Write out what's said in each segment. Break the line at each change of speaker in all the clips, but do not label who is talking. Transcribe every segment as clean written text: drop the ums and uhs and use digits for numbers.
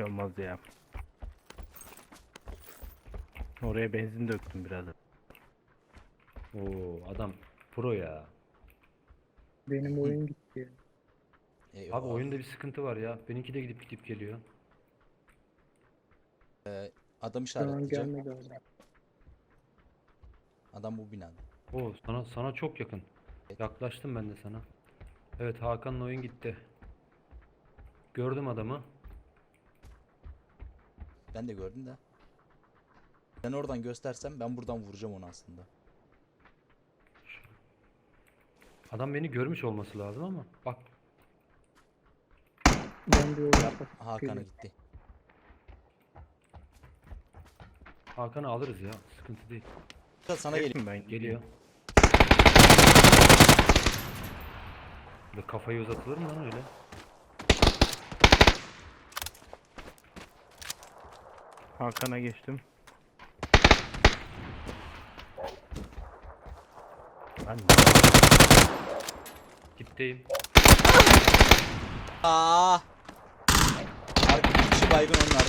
şey olmaz ya. Oraya benzin döktüm biraz.
Oo adam pro ya.
Benim oyun gitti.
Abi
Eyvah.
oyunda bir sıkıntı var ya. Benimki de gidip gidip geliyor.
Adam
Şu an
işaretleyeceğim.
gelmedi orada.
Adam bu binada.
Oo sana çok yakın. Yaklaştım ben de sana. Evet Hakan'ın oyun gitti. Gördüm adamı.
Ben de gördüm de. Ben oradan göstersem ben buradan vuracağım onu aslında.
Adam beni görmüş olması lazım ama bak
Ben bir oyun kapatıp
Hakan'a
geliyorum.
gitti.
Hakan'ı alırız ya. Sıkıntı değil.
Sana geliyor.
Çektim ben.
Geliyor. Ve kafayı uzatılır mı lan öyle?
Hakan'a geçtim. Ben
Dipteyim.
Aa! Arka 2 kişi baygın onlar.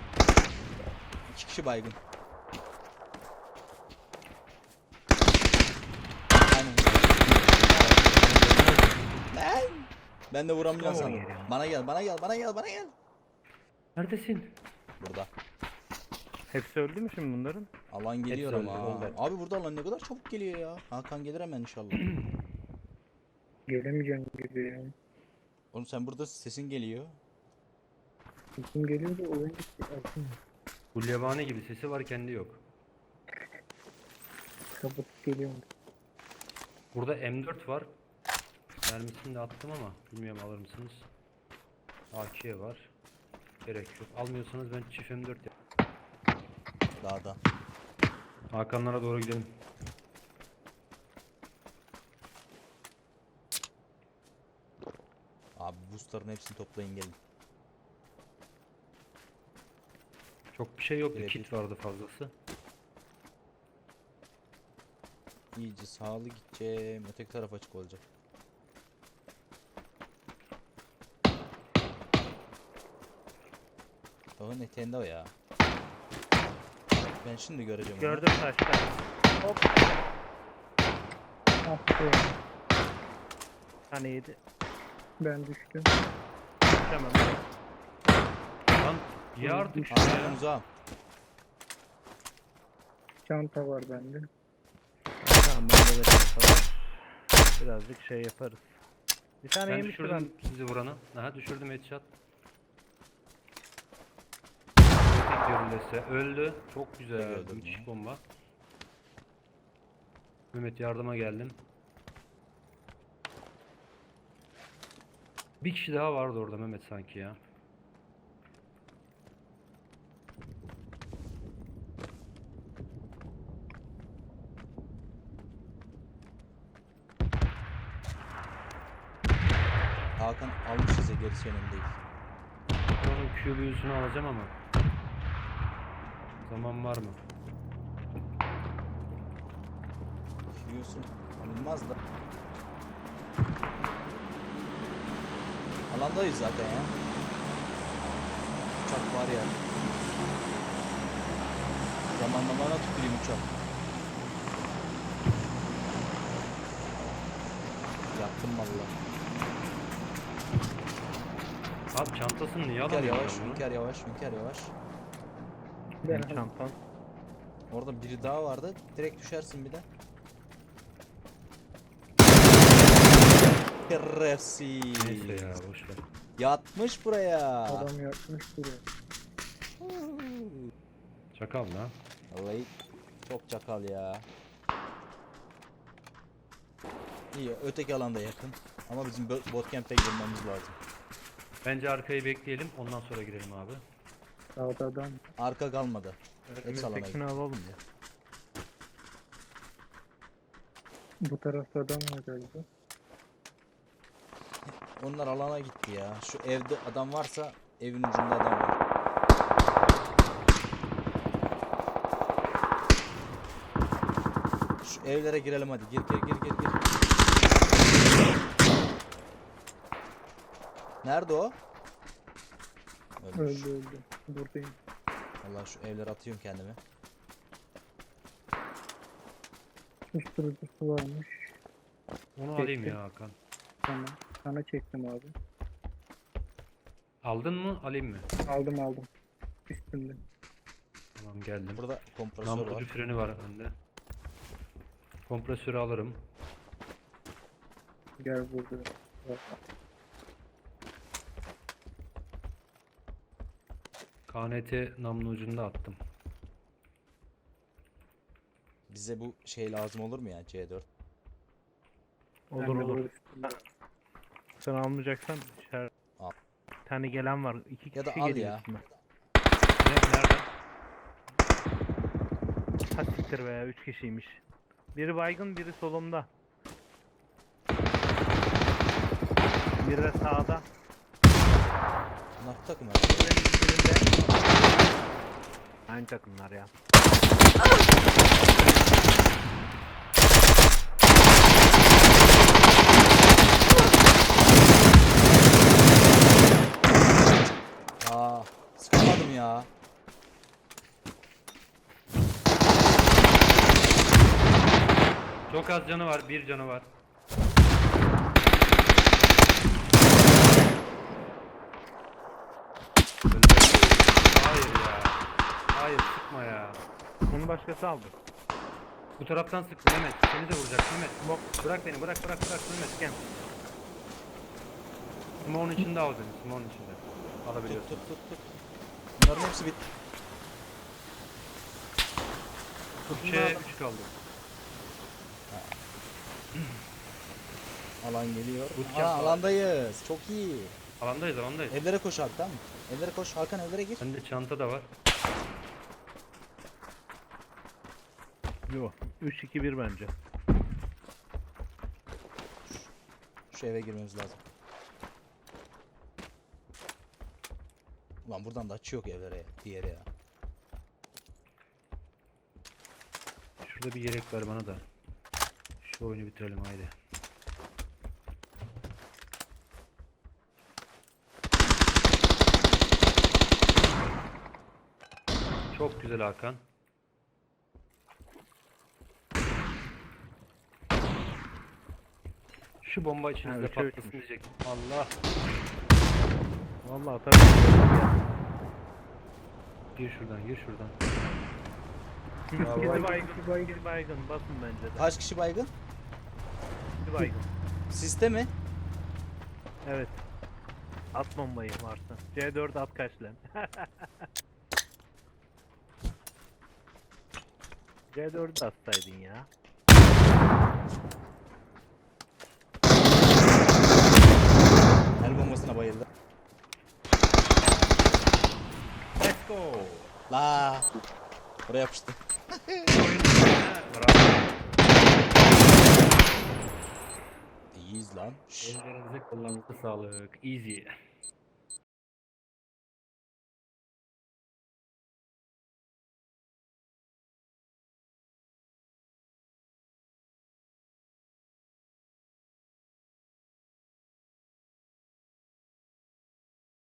2 kişi baygın. Aynen. Lan! Ben de vuramıyorum
Tamam,
sandım.
geliyorum.
Bana gel.
Neredesin?
Burada.
hepsi öldü mü şimdi bunların?
Alan geliyor
Hepsi
ama.
öldü, öldü.
Abi burada alan ne kadar çabuk geliyor ya. Hakan gelir hemen inşallah.
Gelemeyeceğim gibi ya.
Oğlum sen burada sesin geliyor.
Sesim geliyor da oyun gitti. Aslında
Gulyabani gibi sesi var kendi yok.
kapatıp geliyorum.
Burada M4 var. Mermisini de attım ama bilmiyorum alır mısınız? AK var. Gerek yok. Almıyorsanız ben çift M4 yap.
Dağda.
Hakanlara doğru gidelim.
Abi boostların hepsini toplayın gelin.
Çok bir şey yoktu.
Evet,
Kit vardı fazlası.
İyice sağlı gideceğim. Öteki taraf açık olacak. Dağın eteğinde o ya. Ben şimdi göreceğim onu.
Gördüm taşta. Hop.
Attı.
Tane yedi.
Ben düştüm.
Tamam.
Lan ya artık şu
Hakan
ya.
uzağım.
Çanta var bende.
Tamam bende de çanta var. Birazcık şey yaparız. Bir tane
Ben
yemiş ben.
düşürdüm sizi vuranı. Aha düşürdüm headshot. Tek diyorum da size. Öldü. Çok güzel.
Gördüm
Müthiş
ya.
bomba. Mehmet yardıma geldim. Bir kişi daha vardı orada Mehmet sanki ya.
Hakan almış size gerisi önemli değil.
Onun QB'sunu alacağım ama. Zaman var mı?
Yiyorsun. Alınmaz da. Alandayız zaten ya. Uçak var ya. Zamanlamana tüküreyim uçak. Yaktım valla.
Abi çantasını niye
Hünkar
alamıyorum
yavaş,
ben bunu?
hünkar yavaş, hünkar yavaş.
Benim
Ben
çantam.
Orada biri daha vardı. Direkt düşersin bir de. Şerefsiz.
Neyse ya boşver.
Yatmış buraya.
adam yatmış duruyor.
Çakal lan.
Vallahi çok çakal ya. İyi, öteki alanda yakın. Ama bizim botcamp'e girmemiz lazım.
Bence arkayı bekleyelim ondan sonra girelim abi.
Sağda adam.
Arka kalmadı. Hepsi alana
Önümüzdekini alalım ya.
Bu tarafta adam var galiba.
Onlar alana gitti ya. Şu evde adam varsa evin ucunda adam var. Şu evlere girelim hadi. Gir. Nerede o?
Öldü öldü. Buradayım.
Vallahi şu evlere atıyorum kendimi.
Susturucusu varmış.
Onu alayım
Çektim.
ya Hakan.
Tamam. Sana çektim abi.
Aldın mı? Alayım mı?
Aldım. Üstümde.
Tamam geldim.
Burada kompresör
Namlucu
var.
freni var önde. Kompresörü alırım.
Gel burada. Bak.
KNT namlucunu attım.
Bize bu şey lazım olur mu ya C4?
Olur
Ben de
olur.
burada üstümde.
Sen almayacaksan şer...
Al.
Bir tane gelen var. 2 kişi
Ya da al
geliyor
ya.
üstüme.
Nerede?
Ha siktir veya 3 kişiymiş. Biri baygın, biri solumda. Biri de sağda.
Bunlar takım var.
Birinde. Aynı takımlar ya.
Aa, sıkamadım ya.
Çok az canı var. Bir canı var. Öldü. Hayır ya. Hayır sıkma ya.
Bunu başkası aldı.
Bu taraftan sık Mehmet. Seni de vuracak Mehmet. Bırak beni bırak Mehmet gel. Smoke'un içinde al beni. Smoke'un içinde. Alabiliyorsun.
Tut. Bunların hepsi bitti.
Türkçe 3 kaldı.
Alan geliyor.
Bootcamp
Aa,
var.
alandayız. Çok iyi.
Alandayız.
Evlere koş Hakan, tamam mı? Evlere koş Hakan, evlere gir.
Bende çanta da var.
Yok. 3-2-1 bence.
Şu eve girmemiz lazım. Ulan buradan da açı yok evlere ya. Diğeri ya.
Şurada bir yelek ver bana da. Şu oyunu bitirelim haydi. Çok güzel Hakan. Şu bomba içinizde
Ha, üçe
patlasın
üçmüş.
diyecek. Allah.
Vallahi tabii.
Gir şuradan.
Biri baygın, biri baygın. Basın bence de.
Kaç kişi baygın?
Biri baygın.
Siste mi?
Evet. At bombayı varsa. C4 at kaç lan. C4'ü atsaydın ya.
El bombasına bayıldı.
Let's go.
La. Oraya yapıştı.
Bravo.
İyiyiz lan. Şşş.
Ellerinize kollarınıza sağlık. Easy.